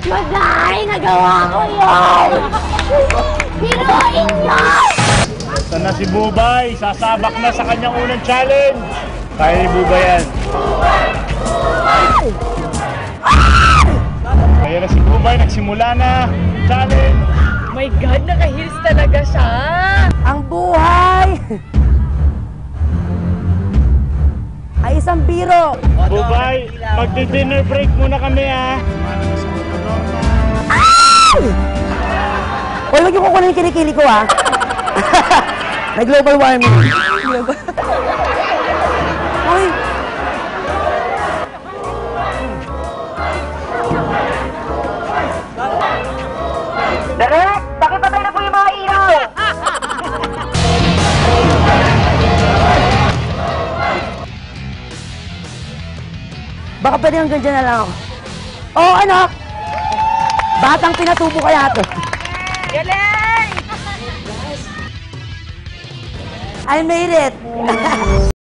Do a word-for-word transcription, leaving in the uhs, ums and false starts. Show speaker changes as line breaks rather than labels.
Madari, nagawa ko yun! Hinuin nyo!
Ito na si Bubay, sasabak na sa kanyang unang challenge. Kaya ni Bubay yan. Kaya na si Bubay, nagsimula na. Challenge!
My God, naka-heels talaga siya!
Ang buhay ay isang biro.
Bubay, magdi-dinner break muna kami ha.
Uy, wag yung kukunin yung kilikili ko ha. May global warming. Uy. Direk, pakipatay na po yung mga ilaw. Baka pwede hanggang dyan na lang ako. Oo, oh, anak! Batang pinatubo kaya to.
Galing!
I made it!